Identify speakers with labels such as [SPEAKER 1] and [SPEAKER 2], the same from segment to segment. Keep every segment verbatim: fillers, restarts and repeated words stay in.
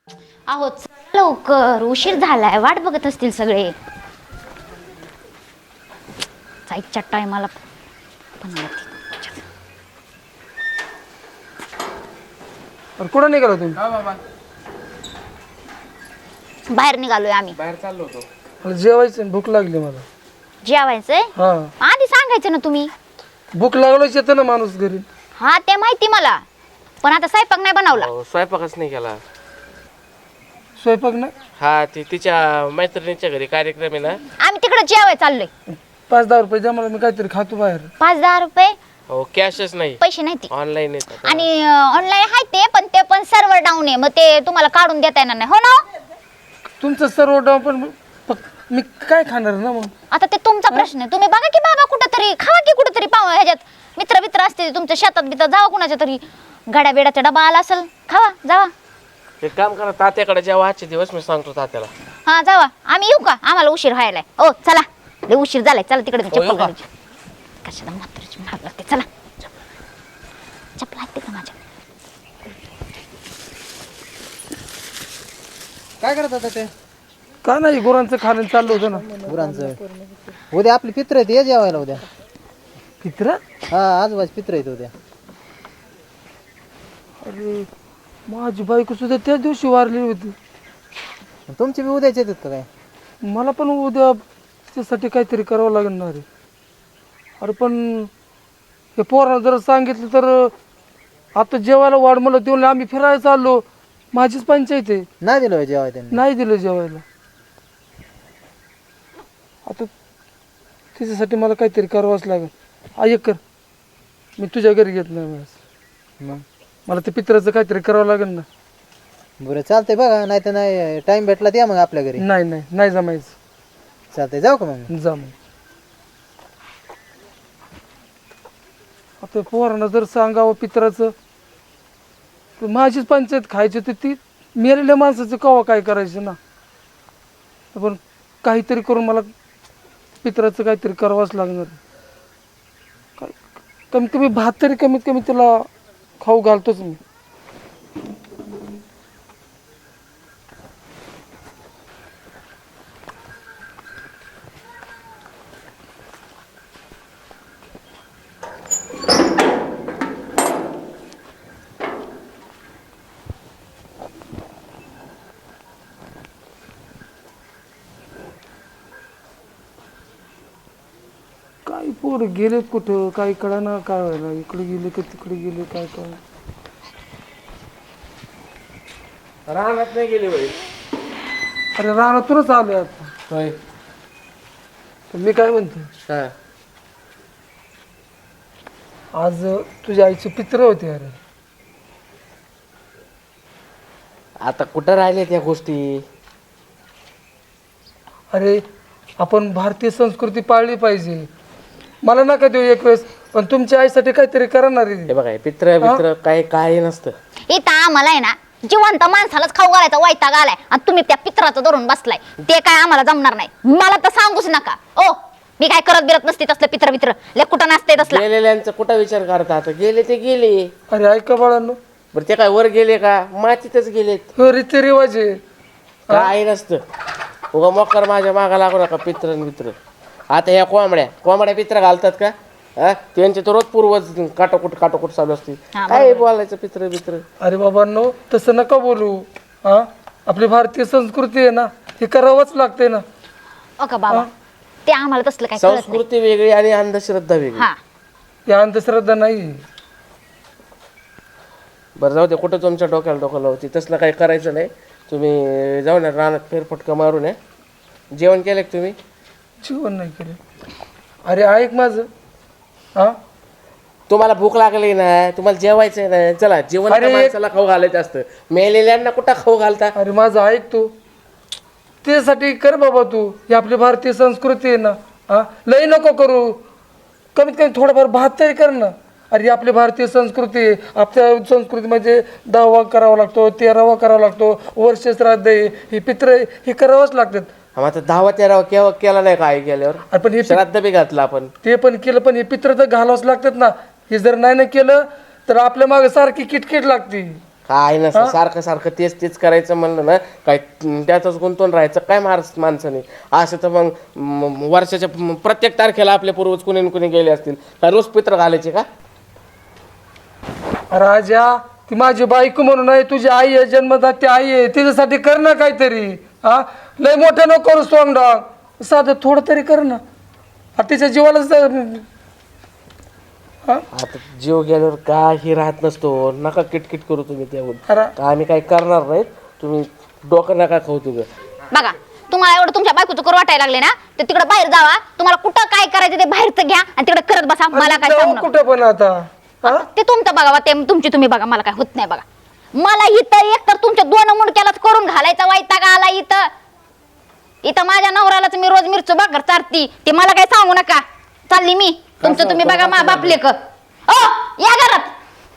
[SPEAKER 1] अहो चला लवकर, उशीर झालाय, वाट बघत असतील सगळे. जायच्या टायमाला पण
[SPEAKER 2] कुठं निघाला तुम्ही?
[SPEAKER 3] हा बाबा
[SPEAKER 1] बाहेर निघालोय आम्ही.
[SPEAKER 3] बाहेर चाललो होतो.
[SPEAKER 2] मला जेवायचं, भूक लागली मला.
[SPEAKER 1] जेवायचंय?
[SPEAKER 2] हा,
[SPEAKER 1] आधी सांगायचं ना तुम्ही.
[SPEAKER 2] भूक लागलोच येतं ना माणूस घरी.
[SPEAKER 1] हा ते माहिती मला, पण आता स्वयंपाक नाही बनवला.
[SPEAKER 3] अहो, स्वयंपाकच नाही केला.
[SPEAKER 2] स्वयंपाक नाही.
[SPEAKER 3] हा ती तिच्या मैत्रिणीच्या घरी कार्यक्रम आहे ना.
[SPEAKER 1] आम्ही तिकडे जेवाय चाललोय.
[SPEAKER 2] पाच दहा रुपये द्या मला, मी काहीतरी खातो बाहेर.
[SPEAKER 1] पाच दहा रुपये
[SPEAKER 3] हो कॅशच नाही,
[SPEAKER 1] पैसे नाही ते.
[SPEAKER 3] ऑनलाईन येतात.
[SPEAKER 1] आणि ऑनलाईन आहे ते, पण ते पण सर्व्हर डाऊन आहे, मग ते तुम्हाला काढून देता येणार नाही. हो ना?
[SPEAKER 2] तुमचं सर्व डाव, पण फक्त मी काय खाणार ना मग.
[SPEAKER 1] आता ते तुमचा प्रश्न आहे. तुम्ही बघा की बाबा कुठंतरी खावा की कुठंतरी पाव ह्याच्यात मित्र मित्र असते तुमच्या शेतात बितात, जावा कुणाच्या तरी गाड्या बिड्याचा डबा आला असेल, खावा जावा.
[SPEAKER 3] एक काम करा, तात्याकडे जेव्हा आजचे दिवस मी सांगतो तात्याला.
[SPEAKER 1] हा जावा. आम्ही येऊ का? आम्हाला उशीर व्हायलाय. ओ चला, लय उशीर झालाय. चला तिकडे
[SPEAKER 3] हो,
[SPEAKER 1] चप्पल
[SPEAKER 3] येऊ का?
[SPEAKER 1] घालायची. कशाला म्हातारीची महाग लागते. चला चप्पल आहेत का माझ्या?
[SPEAKER 4] काय करत होता ते
[SPEAKER 2] का नाही, गुरांचं खाणं चाललं होतं ना.
[SPEAKER 4] गुरांचं? उद्या आपली पित्र आहेत, ये जेवायला उद्या.
[SPEAKER 2] पित्र?
[SPEAKER 4] हा आजोबाच पित्र आहेत उद्या.
[SPEAKER 2] अरे माझी बायको सुद्धा त्या दिवशी वारली होती.
[SPEAKER 4] तुमची बी उद्याच येतात का काय?
[SPEAKER 2] मला पण उद्या त्यासाठी काहीतरी करावं लागणार आहे. अरे पण हे पोरानं जर सांगितलं तर आता जेवायला वाढ मला देऊन आम्ही फिरायला चाललो. माझीच पंचायत आहे.
[SPEAKER 4] नाही दिलं होय जेवाय त्यांनी?
[SPEAKER 2] नाही दिलं जेवायला. आता त्याच्यासाठी मला काहीतरी करावंच लागेल. ऐक कर, मी तुझ्या घरी घेत नाही वेळेस.
[SPEAKER 4] मग
[SPEAKER 2] मला ते पित्राचं काहीतरी करावं लागेल ना.
[SPEAKER 4] बरं चालतंय बघा, नाही तर नाही टाइम भेटला तर या मग आपल्या घरी.
[SPEAKER 2] नाही नाही नाही जमायचं.
[SPEAKER 4] चालतंय, जाऊ का मग?
[SPEAKER 2] जा मग. आता पोरांना जर सांगावं पित्राचं तर माझीच पंचायत खायची, तर ती मेलेल्या माणसाचं कवा काय करायचं ना. पण काहीतरी करून मला पित्राचं काहीतरी करावंच लागणार. काय कमीत कमी भात तरी कमीत कमी त्याला खाऊ घालतोच मी. काही पोर गेलेत कुठं, काही कळा ना काय व्हायला. इकडे गेले का तिकडे गेले, काय काय.
[SPEAKER 3] रानात नाही गेली बाई.
[SPEAKER 2] अरे रानातूनच आलोय आता.
[SPEAKER 3] होय.
[SPEAKER 2] तर मी काय म्हणतो,
[SPEAKER 3] हा
[SPEAKER 2] आज तुझ्या आईचे पित्र होते. अरे
[SPEAKER 3] आता कुठं राहिले त्या गोष्टी?
[SPEAKER 2] अरे आपण भारतीय संस्कृती पाळली पाहिजे. मला नका देऊ एक वेळेस, पण तुमच्या आईसाठी काहीतरी करणार आहे.
[SPEAKER 3] हे बघा, पित्र मित्र काही काही नसतं.
[SPEAKER 1] इथं आम्हाला आहे ना जिवंत माणसालाच खाऊ घालायचा वैताग आलाय, आणि तुम्ही त्या पित्राचं धरून बसलाय. ते काय आम्हाला जमणार नाही. मला तर सांगूच नका. ओ मी काय करत बिरत नसते तसलं पित्र मित्र. ले कुठं नसते तसलं.
[SPEAKER 3] गेलेल्यांचा कुठं विचार करता? आता गेले ते गेले.
[SPEAKER 2] अरे ऐका बाळांनो,
[SPEAKER 3] बरं ते काय वर गेले का? मातीतच गेलेत.
[SPEAKER 2] हो रीतिरिवाज आहे.
[SPEAKER 3] काय नसतं. उगा मोकर माझ्या मागा लागू नका. पित्र मित्र. आता ह्या कोंबड्या कोंबड्या पित्र घालतात का? हा त्यांचे तर रोज पूर्वज काटोकुट काटोकुट चालू असते.
[SPEAKER 1] हा,
[SPEAKER 3] काय बोलायचं पित्र मित्र?
[SPEAKER 2] अरे बाबांनो, तसं नका बोलू. हा आपली भारतीय संस्कृती आहे ना, हे करावंच लागते ना.
[SPEAKER 1] ओ का बाबा, ते आम्हाला तसलं काय कळत नाही.
[SPEAKER 3] संस्कृती वेगळी आणि अंधश्रद्धा वेगळी.
[SPEAKER 1] हा
[SPEAKER 2] या अंधश्रद्धा नाही.
[SPEAKER 3] बरं जाऊ दे, कुठं तुमच्या डोक्याला डोक्याला होती तसलं काही करायचं नाही. तुम्ही जाऊ ना रानात फेरफटका मारून या. जेवण केलं का तुम्ही?
[SPEAKER 2] जीवन नाही केलं. अरे ऐक माझं. हा
[SPEAKER 3] तुम्हाला भूक लागली ना, तुम्हाला जेवायचंय ना, चला जेवण
[SPEAKER 2] अरे एक-
[SPEAKER 3] माणसाला खाऊ घालायचं असतं. मेलेल्यांना कुठं खाऊ घालता?
[SPEAKER 2] अरे माझं ऐक तू. त्यासाठी कर बाबा तू. ही आपली भारतीय संस्कृती आहे ना. हा लई नको करू. कमीत कमी थोडंफार भात तरी कर ना. अरे आपली भारतीय संस्कृती आहे. आपल्या संस्कृतीमध्ये दहावा करावा लागतो, तेरावा करावा लागतो, वर्ष श्राद्ध आहे, ही पित्र हे करावंच लागतात.
[SPEAKER 3] आम्हा आता दहावा तेरावा केव्हा केला नाही का आई गेल्यावर?
[SPEAKER 2] अरे पण हे पि-
[SPEAKER 3] श्राद्ध बी घातलं आपण.
[SPEAKER 2] ते पण केलं, पण हे पित्र तर घालावंच लागतात ना. हे जर नाही ना केलं तर आपल्या मागे सारखी किटकिट लागते.
[SPEAKER 3] काय नसतं सारखं सारखं तेच तेच करायचं म्हणलं ना काय त्यातच गुंतून राहायचं काय मार माणसाने. असं तर मग म- वर्षाच्या म- प्रत्येक तारखेला आपले पूर्वज कुणी न कुणी गेले असतील काय रोज पित्र घालायचे का?
[SPEAKER 2] राजा ती माझी बायको म्हणून आहे, तुझी आई आहे, जन्मदाती आई आहे, तिच्यासाठी कर ना काहीतरी. हा लय मोठं नको करू स्ट्रॉंग डॉग, साधं थोडं तरी कर ना. हा, तिच्या जीवालाच तर- हा?
[SPEAKER 3] आता जीव गेल्यावर काही राहत नसतो. नका किटकिट करू तुम्ही त्याहून.
[SPEAKER 2] अरे
[SPEAKER 3] आम्ही काही करणार नाहीत. तुम्ही डोकं नका खाऊ तुम्ही.
[SPEAKER 1] बघा तुम्हाला एवढं तुमच्या बायकोचं करू वाटायला लागले ना तर तिकडे बाहेर जावा. तुम्हाला कुठं काय करायचं ते बाहेरचं घ्या आणि तिकडे करत बसा. मला काय
[SPEAKER 2] जाऊ
[SPEAKER 1] सांगू नका.
[SPEAKER 2] कुठं पण आता. हा?
[SPEAKER 1] ते तुमचं बघा ते तुमची तुम्ही बघा. मला काय होत नाही बघा. मला इथं एक तर तुमच्या दोन मुंडक्यालाच करून घालायचा वैताग आला इथं. इथं माझ्या नवऱ्यालाच मी रोज मिरचू भाकर चारती. ते मला काय सांगू नका. चालली मी. तुमचं तुम्ही बघा मा बापले क ओ या घरात.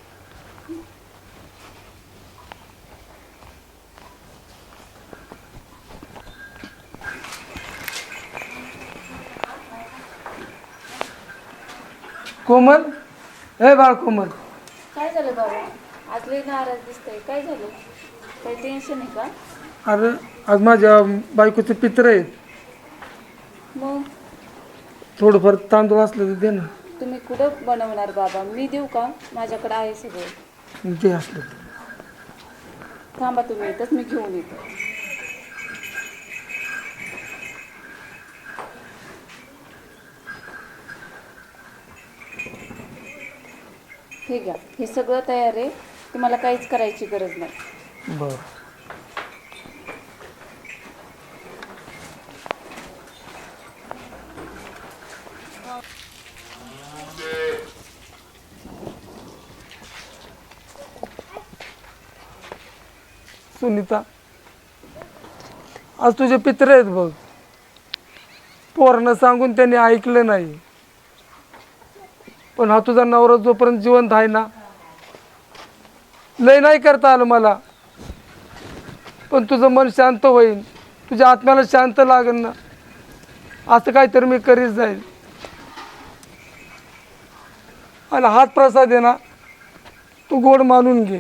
[SPEAKER 2] कोमल, हे बाळ कोमल,
[SPEAKER 5] काय झालं बाबा? आज लई नाराज दिसतंय. काय झालं? काही टेन्शन आहे का?
[SPEAKER 2] अरे आज माझ्या बायकोचे पित्र आहेत,
[SPEAKER 5] मग
[SPEAKER 2] थोडंफार तांदूळ असलं तर दे ना.
[SPEAKER 5] तुम्ही कुठं बनवणार बाबा? मी देऊ का? माझ्याकडे आहे सगळं.
[SPEAKER 2] ते असलं तर.
[SPEAKER 5] थांबा तुम्ही इथंच, मी घेऊन येतो. हे घ्या, हे सगळं तयार आहे. तुम्हाला काहीच करायची गरज नाही.
[SPEAKER 2] बरं. सुनीता, आज तुझे पित्र आहेत बघ. पोरांना सांगून त्यांनी ऐकलं नाही, पण हा तुझा नवरा जोपर्यंत जिवंत आहे ना, लय नाही करता आलं मला, पण तुझं मन शांत होईल, तुझ्या आत्म्याला शांत लागेल ना, असं काहीतरी मी करीत जाईल. आणि हात प्रसाद आहे ना, तू गोड मानून घे.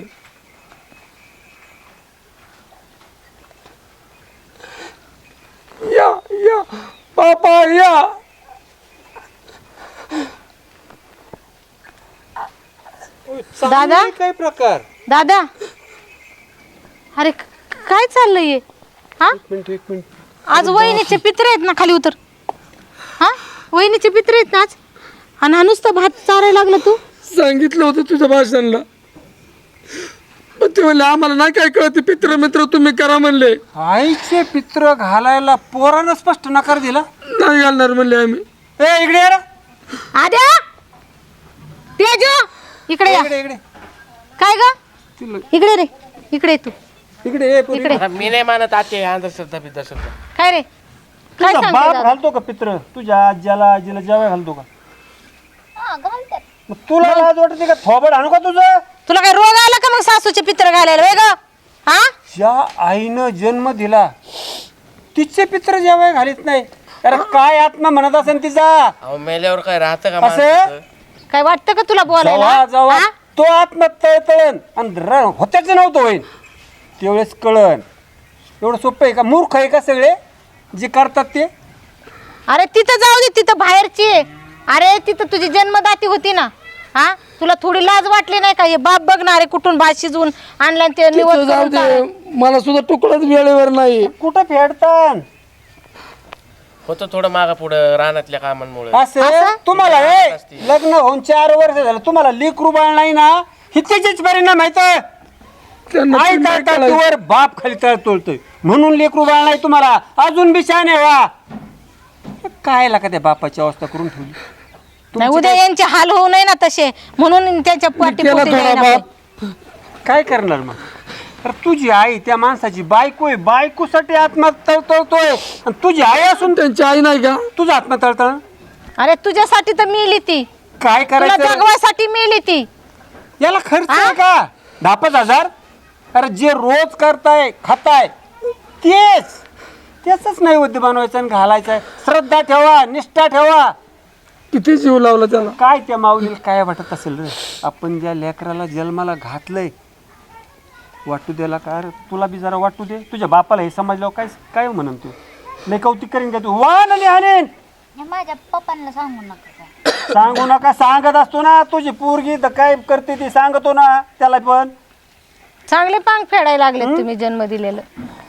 [SPEAKER 2] या या पापा या.
[SPEAKER 6] दादा
[SPEAKER 4] काय प्रकार?
[SPEAKER 6] दादा अरे क- काय चाललंय हा
[SPEAKER 4] मिनिट एक मिनिट.
[SPEAKER 6] आज वहिनीचे पित्र आहेत ना, खाली उतर. हा वहिनीचे पित्र आहेत ना आज, आणि हा नुसतं भात चारायला लागला तू.
[SPEAKER 2] सांगितलं होतं तुझ्या भाषणला, पण ते म्हणले आम्हाला नाही काय कळत, पित्र मित्र तुम्ही करा म्हणले.
[SPEAKER 4] आईचे पित्र घालायला पोरानं स्पष्ट नकार दिला.
[SPEAKER 2] नाही घालणार म्हणले आम्ही.
[SPEAKER 4] ए इकडे ये रे.
[SPEAKER 6] आद्या तेजू इकडे या.
[SPEAKER 4] इकडे इकडे
[SPEAKER 6] काय ग इकडे रे, इकडे ये तू.
[SPEAKER 4] इकडे ये पोरी.
[SPEAKER 6] इकडे
[SPEAKER 3] आता मी नाही मानत आते अंधश्रद्धा बिद्धश्रद्धा.
[SPEAKER 6] काय रे काय
[SPEAKER 4] तुझा
[SPEAKER 6] सांगते
[SPEAKER 4] बाप
[SPEAKER 6] दादा?
[SPEAKER 4] घालतो का पित्र? तुझ्या आज्याला आजीला जेवाय घालतो का?
[SPEAKER 1] हा, घालतात.
[SPEAKER 4] मग तुला लाज वाटते का? थोबड आणू का तुझं?
[SPEAKER 6] तुला काय रोग आला का मग सासूचे पित्र घालायला वेग? हा
[SPEAKER 4] ज्या आईनं जन्म दिला तिचे पित्र जेवाय घालीत नाही. अरे काय आत्मा म्हणत असेल तिचा?
[SPEAKER 3] अहो मेल्यावर काय राहतं का
[SPEAKER 4] असं?
[SPEAKER 3] माणसाचं?
[SPEAKER 6] काय वाटतं का तुला
[SPEAKER 4] जेव्हा
[SPEAKER 6] बोलायला?
[SPEAKER 4] जेव्हा
[SPEAKER 6] हा?
[SPEAKER 4] तो आत्मा तळतळण आणि र- होत्याच नव्हतं होईन तेवढेच कळण. एवढं सोपं आहे का? मूर्ख आहे का सगळे जे करतात ते?
[SPEAKER 6] अरे तिथं जाऊ दे, तिथं बाहेरची आहे. अरे तिथं तुझी जन्मदाती होती ना. हा तुला थोडी लाज वाटली नाही का? हे बाप बघणारे कुठून भात शिजवून आणलं आणि ते
[SPEAKER 2] तिथं
[SPEAKER 6] निवड
[SPEAKER 2] जाऊ
[SPEAKER 6] करून
[SPEAKER 2] दे,
[SPEAKER 6] चाललं.
[SPEAKER 2] मला सुद्धा तुकडाच वेळेवर नाही.
[SPEAKER 4] कुठं फेडतात
[SPEAKER 3] होतं थोडं मागा पुढं रानातल्या कामांमुळे.
[SPEAKER 4] असं? तुम्हाला ए, लग्न होऊन चार वर्ष झालं तुम्हाला लेकरू बाळ नाही ना, ही त्याचेच परिणाम आहेत.
[SPEAKER 2] त्यांना
[SPEAKER 4] आई
[SPEAKER 2] ते नाही कळायचं.
[SPEAKER 4] तळतळीवर बाप खाली तळतोलतोय म्हणून लेकरू बाळ नाही तुम्हाला. अजून बी शहाणे व्हा. काय लागा त्या बापाची अवस्था करून ठेवली.
[SPEAKER 6] नाही उद्या यांचे हाल होऊ नये ना तसे, म्हणून त्यांच्या पाठी
[SPEAKER 2] केला
[SPEAKER 6] पोटी
[SPEAKER 2] थोडा
[SPEAKER 6] जाईना
[SPEAKER 2] बाप.
[SPEAKER 6] बाई.
[SPEAKER 4] काय करणार मग? तर तुझी आई त्या माणसाची बायको आहे, बायकोसाठी आत्मा तळतळतोय आणि तुझी आई असून
[SPEAKER 2] त्यांची आई नाही का?
[SPEAKER 4] तुझा आत्मा तळतळ.
[SPEAKER 6] अरे तुझ्यासाठी तर मिली ती,
[SPEAKER 4] काय
[SPEAKER 6] तुला
[SPEAKER 4] करायचं?
[SPEAKER 6] जगवायसाठी मिली ती.
[SPEAKER 4] याला खर्च आहे का? दहा पाच हजार? अरे जे रोज करताय खाताय तेच त्याच नैवेद्य बनवायचं आणि घालायचं आहे. श्रद्धा ठेवा, निष्ठा ठेवा.
[SPEAKER 2] किती जीव लावला त्याला.
[SPEAKER 4] काय त्या माऊलीला काय वाटत असेल रे? आपण ज्या लेकराला जन्माला घातलंय वाटू द्याला का अरे तुला बी जरा वाटू दे. तुझ्या बापाला हे समजल्यावर काय काय म्हणन तू लय कौतिक करीन का तू वान आणि हाणेन.
[SPEAKER 1] माझ्या पप्पांना सांगू नका काय.
[SPEAKER 4] सांगू नका सांगत असतो ना तुझी पोरगी तर काय करते ती सांगतो ना त्याला पण.
[SPEAKER 6] चांगले पांग फेडायला लागले तुम्ही जन्म दिलेलं.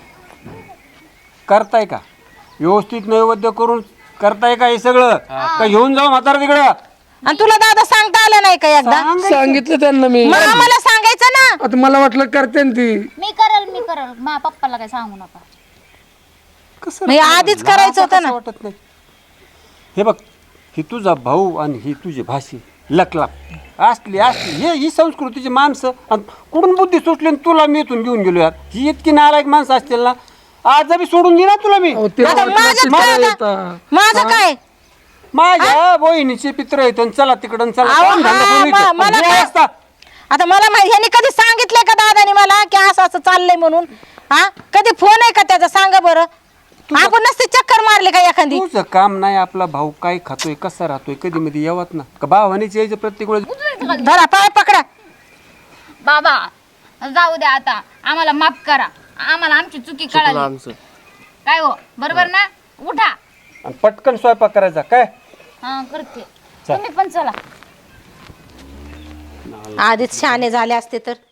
[SPEAKER 4] करताय का व्यवस्थित नैवेद्य करून करताय का हे सगळं का घेऊन जाऊ म्हातारा तिकडं.
[SPEAKER 6] आणि तुला दादा सांगता आलं नाही का एकदा?
[SPEAKER 2] सांगितलं त्यांना मी.
[SPEAKER 6] मग आम्हाला सांगायचं ना.
[SPEAKER 2] आता मला वाटलं करते ना ती.
[SPEAKER 1] मी करल मी करल माझ्या पप्पाला काय सांगू नका.
[SPEAKER 4] कसं
[SPEAKER 6] मग आधीच करायचं होतं ना.
[SPEAKER 4] वाटत नाही. हे बघ ही तुझा भाऊ आणि ही तुझी भाषी लकलाप असली असली हे ही संस्कृतीची माणसं आणि कुठून बुद्धी सुटली आणि तुला मी इथून घेऊन गेलो यार. ही इतकी नालायक माणसं असतील ना आज बी सोडून दे ना तुला मी.
[SPEAKER 2] अहो, ते
[SPEAKER 6] आता
[SPEAKER 2] वाटलं
[SPEAKER 6] माझ्यात
[SPEAKER 2] मला
[SPEAKER 6] काय
[SPEAKER 2] येतं.
[SPEAKER 6] आता? माझं काय
[SPEAKER 4] माझ्या बहिणीचे पित्र आहेत आणि चला तिकडं चला
[SPEAKER 6] अहो,
[SPEAKER 4] काम धंदा
[SPEAKER 6] हा,
[SPEAKER 4] करून
[SPEAKER 6] म-
[SPEAKER 4] इथं.
[SPEAKER 6] मला
[SPEAKER 4] हे
[SPEAKER 6] काय-
[SPEAKER 4] असता.
[SPEAKER 6] आता मला माहिती ह्यांनी कधी सांगितलंय का दादानी मला की असं असं चाललंय म्हणून? हा कधी फोन आहे का त्याचा? सांगा बरं. आपण नसते चक्कर मारले का एखादी?
[SPEAKER 4] तुझं काम नाही आपला भाऊ काय खातोय कसा राहतोय कधी मध्ये यावत ना का भावानीच यायचं प्रत्येक वेळेस.
[SPEAKER 6] धरा पाय पकडा.
[SPEAKER 1] बाबा जाऊ द्या आता आम्हाला माफ करा. आम्हाला आमची चुकी
[SPEAKER 3] चुकलं
[SPEAKER 1] कळाली.
[SPEAKER 3] आमचं.
[SPEAKER 1] काय हो बरोबर ना? उठा.
[SPEAKER 4] आणि पटकन स्वयंपाक करायचा काय.
[SPEAKER 1] हा करते. तुम्ही पण चला.
[SPEAKER 6] आधीच शहाणे झाले असते तर